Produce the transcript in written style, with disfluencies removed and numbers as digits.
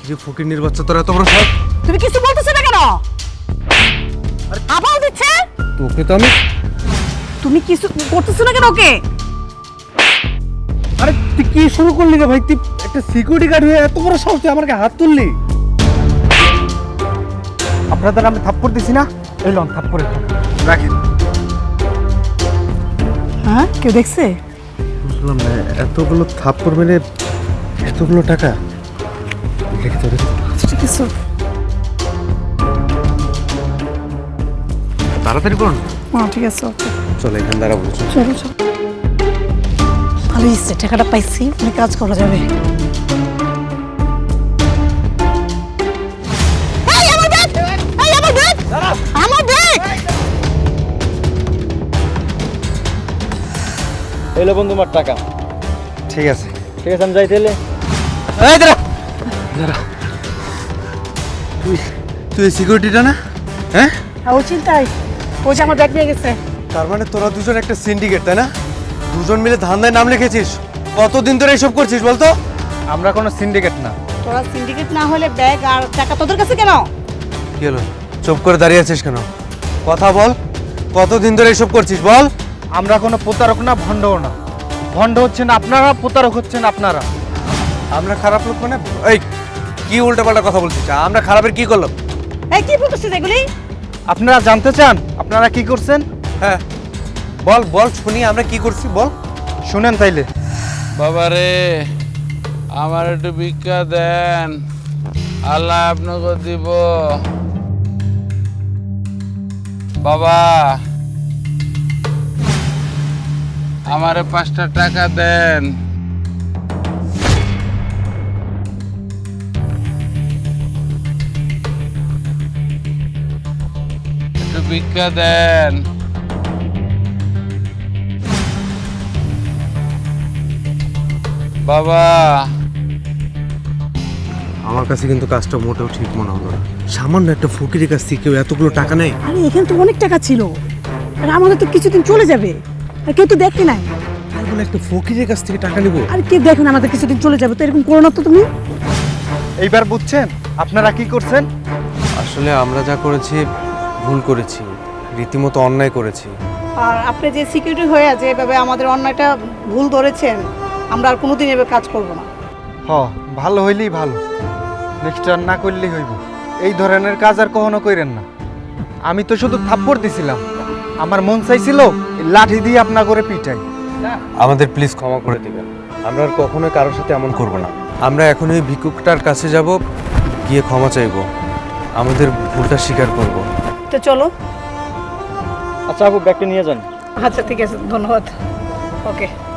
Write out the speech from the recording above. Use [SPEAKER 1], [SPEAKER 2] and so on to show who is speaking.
[SPEAKER 1] যে ফকির বাচ্চা তোরা এত বড় সব।
[SPEAKER 2] তুমি কিছু বলতেছ না কেন? আবার দিচ্ছে।
[SPEAKER 1] তোকে তো আমি
[SPEAKER 2] তুমি কিছু করতেছ না কেন ওকে?
[SPEAKER 1] আরে তুই কি শুরু করলি রে ভাই? তুই একটা সিকিউরিটি গার্ড হয়ে এত বড় সাহস, তুই আমার গায়ে হাত তুললি? আপনাদের আমি থাপ্পড় দিছি না, এই লন থাপ্পড়ে রাখেন।
[SPEAKER 2] হ্যাঁ, কেউ দেখছে?
[SPEAKER 1] বুঝলাম না, এতগুলো থাপ্পড় মেরে এতগুলো টাকা রেখে তো রেখে।
[SPEAKER 2] আচ্ছা ঠিক আছে,
[SPEAKER 1] তাড়াতাড়ি করুন।
[SPEAKER 2] হ্যাঁ ঠিক আছে, ওকে
[SPEAKER 1] চলো এখান দ্বারা বলছো।
[SPEAKER 2] চলো চলো। ভালো হয়েছে, টাকাটা পাইছি, অনেক কাজ করা যাবে। এই আমার ব্যাগ! এই আমার ব্যাগ! আমার ব্যাগ!
[SPEAKER 3] এলো বন্ধু আমার টাকা।
[SPEAKER 1] ঠিক আছে
[SPEAKER 3] ঠিক আছে, আমি যাইতে এলে।
[SPEAKER 1] এই দাঁড়া দাঁড়া, তুই তুই সিকিউরিটিটা না? হ্যাঁ,
[SPEAKER 2] ও চিন্তাই, ও যে আমার ব্যাগ নিয়ে গেছে।
[SPEAKER 1] তার মানে তোরা দুজন একটা সিন্ডিকেট, তাই না? দুজন মিলে ধান্দায় নাম লিখেছিস। কতদিন ধরে এইসব করছিস বলতো?
[SPEAKER 3] আমরা কোনো সিন্ডিকেট না।
[SPEAKER 2] তোরা সিন্ডিকেট না হলে ব্যাগ আর টাকা তোদের কাছে কেন?
[SPEAKER 1] কি হলো, চুপ করে দাঁড়িয়ে আছিস কেন? কথা বল, কতদিন ধরে এইসব করছিস বল।
[SPEAKER 3] আমরা কোনো প্রতারক না, ভণ্ডও না। ভণ্ড হচ্ছেন আপনারা, প্রতারক হচ্ছেন আপনারা।
[SPEAKER 1] আমরা খারাপ লোক মানে? এই কি উল্টাপাল্টা কথা বলছিস? আমরা খারাপের কি করলাম?
[SPEAKER 2] এই কি বলতেছিস এগুলি?
[SPEAKER 3] আপনারা জানতে চান আপনারা কি করছেন?
[SPEAKER 1] হ্যাঁ বল বল, শুনি আমরা কি করছি বল।
[SPEAKER 3] শুনেন তাইলে।
[SPEAKER 4] বাবারে, আমার একটু ভিক্ষা দেন, আল্লাহ আপনাকে দিব। বাবা, আমারে 5টা টাকা দেন। একটু ভিক্ষা দেন। বাবা,
[SPEAKER 1] আমার কাছে কিন্তু কাজটা মোটেও ঠিক মনে হলো না। সামান্য একটা ফকিরের কাছ থেকে কেউ এতগুলো টাকা নেয়?
[SPEAKER 2] আরে এখানে তো অনেক টাকা ছিল, আর আমাদের তো কিছুদিন চলে যাবে, আর কেউ তো দেখে নাই।
[SPEAKER 1] তাই বলে একটা ফকিরের কাছ থেকে টাকা নিব?
[SPEAKER 2] আর কেউ দেখে না, আমাদের কিছুদিন চলে যাবে, তো এরকম করো না তো তুমি।
[SPEAKER 3] এইবার বুঝছেন আপনারা কি করছেন?
[SPEAKER 1] আসলে আমরা যা করেছি ভুল করেছি, রীতিমতো অন্যায় করেছি।
[SPEAKER 2] আর আপনি যে সিকিউরিটি হয়ে আছে এভাবে আমাদের অন্যায়টা ভুল ধরেছেন, আমরা আর কোনোদিন এভাবে কাজ করব না।
[SPEAKER 3] ভালো হইলেই ভালো, নেক্সট আর না করলেই হইব। এই ধরনের কাজ আর কখনো কইরেন না। আমি তো শুধু থাপ্পড় দিছিলাম, আমার মন চাইছিল এই লাঠি দিয়ে আপনা করে পিটাই।
[SPEAKER 1] আমাদের প্লিজ ক্ষমা করে দিবেন, আমরা আর কখনোই কারোর সাথে এমন করব না। আমরা এখন ওই ভিক্ষুকটার কাছে যাব, গিয়ে ক্ষমা চাইব, আমাদের ভুলটা স্বীকার করব।
[SPEAKER 2] তো চলো।
[SPEAKER 3] আচ্ছা আপু, ব্যাগটা নিয়ে যান।
[SPEAKER 2] আচ্ছা ঠিক আছে, ধন্যবাদ। ওকে।